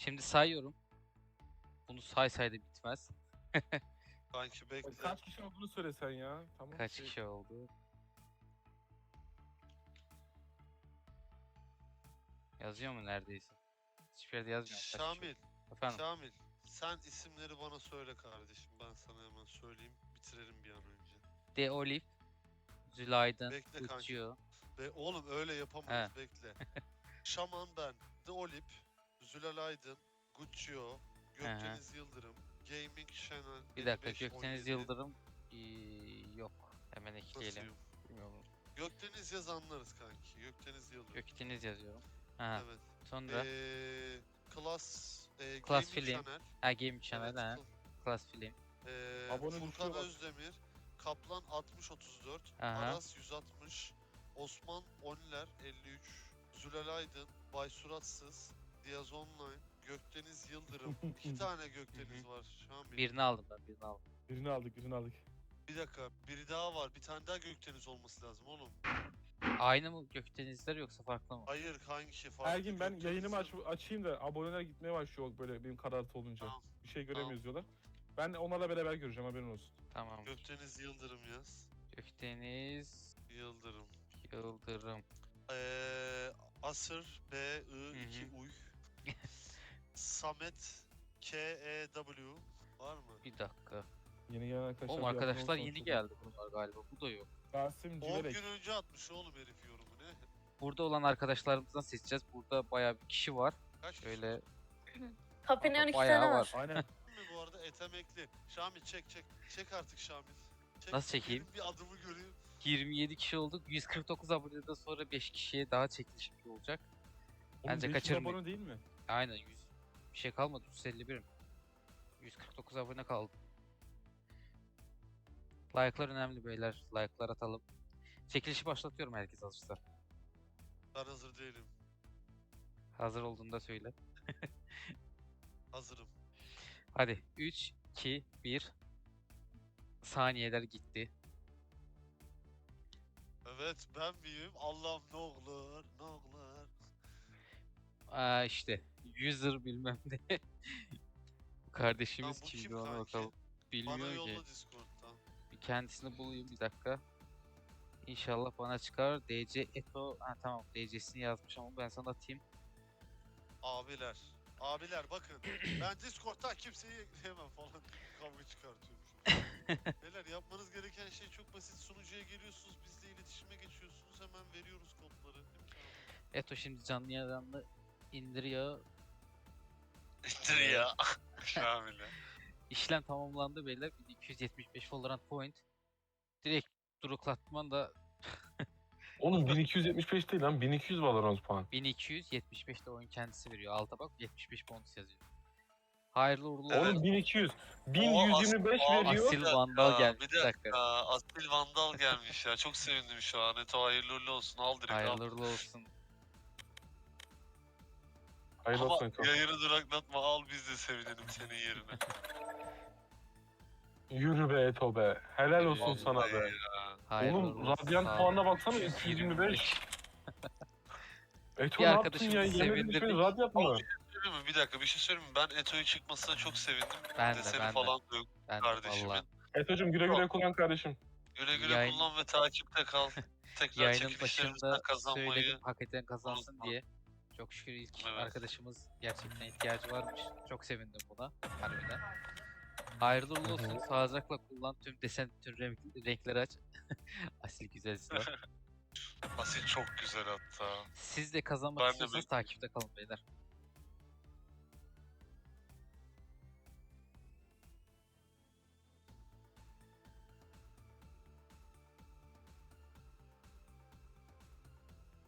Şimdi sayıyorum. Bunu say da bitmez. Kanki bekle. Kaç kişi olduğunu söylesen ya. Tamam. Kaç kişi oldu? Yazıyor mu neredeyse? Hiçbir yerde yazmıyor. Kaç kişi Şamil, oldu? Efendim. Şamil. Sen isimleri bana söyle kardeşim. Ben sana hemen söyleyeyim. Bitirelim bir an önce. De Olive, Zülaydın, Bekle kanki. Guccio. Ve oğlum öyle yapamayız. Bekle. Şaman ben. The Olip. Zülal Aydın. Guccio. Gökdeniz Yıldırım. Gaming Channel. Bir dakika, 55, Gökdeniz 17. Yıldırım yok. Hemen Nasıl ekleyelim. yok? Bilmiyorum. Gökdeniz yaz anlarız kanki. Gökdeniz Yıldırım. Gökdeniz yazıyorum. Ha. Evet. Sonra Class, Class Gaming Film. Channel. Gaming Channel Evet, ha. Class Film. Abone Furkan düşüyor bak. Özdemir, Kaplan 6034, Aha. Aras 160, Osman Onler 53, Zülal Aydın, Bay Suratsız, Diyaz Online, Gökdeniz Yıldırım. 2 tane Gökdeniz var şu an. Birini aldım ben, birini aldım. Birini aldık. Bir dakika, biri daha var. Bir tane daha Gökdeniz olması lazım oğlum. Aynı mı Gökdenizler yoksa farklı mı? Hayır kanki farklı. Ergin ben Gökdeniz yayınımı Yıldırım. açayım da aboneler gitmeye başlıyor böyle benim karartı olunca. Tamam. Bir şey göremiyoruz diyorlar. Ben onlarla beraber göreceğim, haberin olsun. Tamam. Gökdeniz Yıldırım yaz. Gökdeniz Yıldırım. Yıldırım. Asır B-I-2 Hı hı. Uy. Samet K-E-W var mı? Bir dakika. Yeni gelen arkadaşlar. Oğlum bir abone arkadaşlar olsanız yeni çok geldi bunlar galiba. Bu da yok. iyi. Rasim 10 Civelek. gün önce atmış oğlum herif yorumu ne? Burada olan arkadaşlarımızdan seçeceğiz. Burada bayağı bir kişi var. Kaç kişi Şöyle var? Kapının 12 bayağı tane var. var. Aynen. Mi bu arada etemekli. Şamil çek. Çek artık Şamil. Çek, Nasıl çekeyim? benim bir adımı göreyim. 27 kişi olduk. 149 aboneden sonra 5 kişiye daha çekilişim olacak. Oğlum Bence 500 kaçırmayın. abone değil mi? Aynen 100 bir şey kalmadı. 151'im. 149 abone kaldı. Like'lar önemli beyler. Like'lar atalım. Çekilişi başlatıyorum herkes hazırsa. Ben hazır değilim. Hazır olduğunda söyle. Hazırım. Hadi 3, 2, 1. Saniyeler gitti. Evet ben miyim? Allah'ım ne olur. İşte user bilmem ne. Bu kardeşimiz Lan bu kimdi kim ona kanki? bakalım. Bana Bilmiyor ki. yolla Discord'dan. Bir kendisini bulayım bir dakika. İnşallah bana çıkar. DC Eto. Ha tamam DC'sini yazmış ama ben sana atayım. Abiler. Abiler bakın. Ben Discord'dan kimseyi ekleyemem falan. Kavga çıkartıyormuşum. Beyler yapmanız gereken şey çok basit. Sunucuya geliyorsunuz. Bizle iletişime geçiyorsunuz. Hemen veriyoruz kodları. Değil mi Şamil? Eto şimdi canlı yayını indiriyor. İttir ya. Şamil'e. İşlem tamamlandı beyler. 1275 Valorant point. Direkt duraklatman da Oğlum 1275 değil lan, 1200 Valorant puan. 1275 de oyun kendisi veriyor. Alta bak 75 bonus yazıyor. Hayırlı uğurlu Evet. Oğlum 1200. 1125 Aa, veriyor. Asil Vandal gelmiş. Bir Bir dakika. dakika. Asil Vandal gelmiş ya. Çok sevindim şu an. Eto hayırlı uğurlu olsun. Al direkt al. Hayırlı uğurlu olsun. Hayırlı Ama olsun Eto. yayını duraklatma. Al biz de sevinelim senin yerine. Yürü be Eto be. Helal olsun Vallahi sana be. Hayırlı Oğlum uğurlu olsun. Radyant Sağ ol. puanına baksana 225. Eto Bir ne yaptın arkadaşımızı ya? Yemin sevindirdik. ederim Radyant mı? Söyleyeyim mi? Bir dakika bir şey söyleyeyim mi? Ben Eto'yu çıkmasına çok sevindim. Ben de, Deseni ben de. falan da yok Ben de kardeşimin. valla. Eto'cum güle güle kullan kardeşim. Güle güle Yayın- kullan ve takipte kal. Tekrar Yayının çekilişlerimizden başında kazanmayı. söyledim hak eden kazansın unutma. diye. Çok şükür ilk Evet. arkadaşımız gerçekten ihtiyacı varmış. Çok sevindim buna harbiden. Hayırlı uğurlu olsun. Sağlıcakla kullan tüm desen, tüm renkleri aç. Asil güzel silah. Asil çok güzel hatta. Siz de kazanmak Ben de istiyorsanız takipte kalın beyler.